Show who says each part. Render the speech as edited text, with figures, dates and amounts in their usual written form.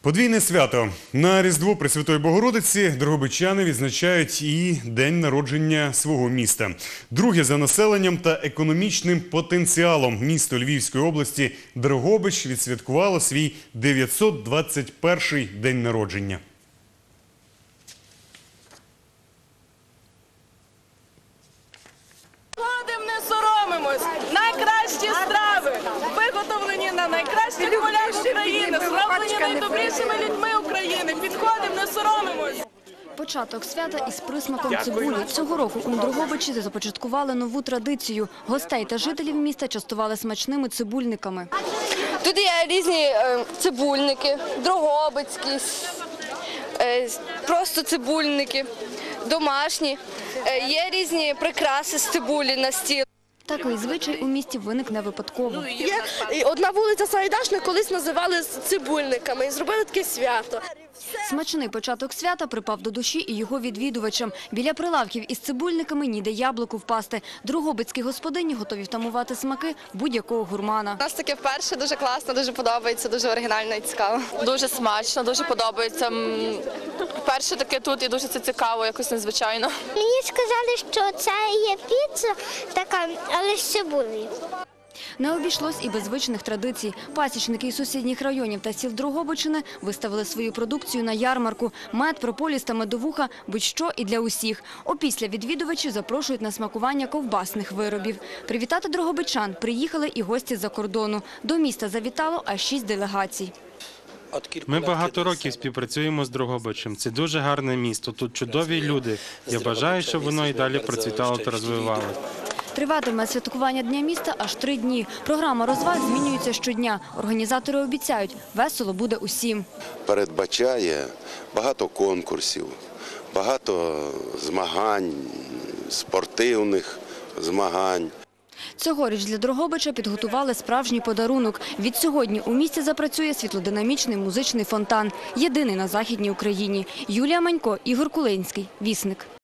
Speaker 1: Подвійне свято. На Різдво Пресвятої Богородиці дрогобичани відзначають і день народження свого міста. Друге за населенням та економічним потенціалом місто Львівської області Дрогобич відсвяткувало свій 921-й день народження.
Speaker 2: Ходимо, не соромимось. Найкращі страви, виготовлені на найкращих полях України, зроблені найдобрішими людьми України. Підходимо, не соромимось.
Speaker 3: Початок свята із присмаком цибулі. Цього року у Дрогобичі започаткували нову традицію. Гостей та жителів міста частували смачними цибульниками.
Speaker 4: Тут є різні цибульники, дрогобицькі, просто цибульники, домашні. Є різні прикраси з цибулі на стіл.
Speaker 3: Такий звичай у місті виник не випадково.
Speaker 4: Є одна вулиця Сайдашна, колись називали цибульниками і зробили таке свято.
Speaker 3: Смачний початок свята припав до душі і його відвідувачам. Біля прилавків із цибульниками ніде яблуку впасти. Дрогобицькі господині готові втамувати смаки будь-якого гурмана.
Speaker 4: У нас таке вперше, дуже класно, дуже подобається, дуже оригінально і цікаво. Дуже смачно, дуже подобається. Вперше таке тут і дуже це цікаво, якось незвичайно.
Speaker 5: Мені сказали, що це є піца така, але з цибулею.
Speaker 3: Не обійшлось і без звичних традицій. Пасічники із сусідніх районів та сіл Дрогобичини виставили свою продукцію на ярмарку. Мед, прополіс та медовуха – будь-що і для усіх. Опісля відвідувачі запрошують на смакування ковбасних виробів. Привітати дрогобичан приїхали і гості з-за кордону. До міста завітало аж 6 делегацій.
Speaker 6: Ми багато років співпрацюємо з Дрогобичем. Це дуже гарне місто, тут чудові люди. Я бажаю, щоб воно і далі процвітало та розвивалося.
Speaker 3: Триватиме святкування Дня міста аж 3 дні. Програма розваг змінюється щодня. Організатори обіцяють – весело буде усім.
Speaker 7: Передбачає багато конкурсів, багато змагань, спортивних змагань.
Speaker 3: Цьогоріч для Дрогобича підготували справжній подарунок. Відсьогодні у місті запрацює світлодинамічний музичний фонтан. Єдиний на Західній Україні. Юлія Манько, Ігор Кулинський. Вісник.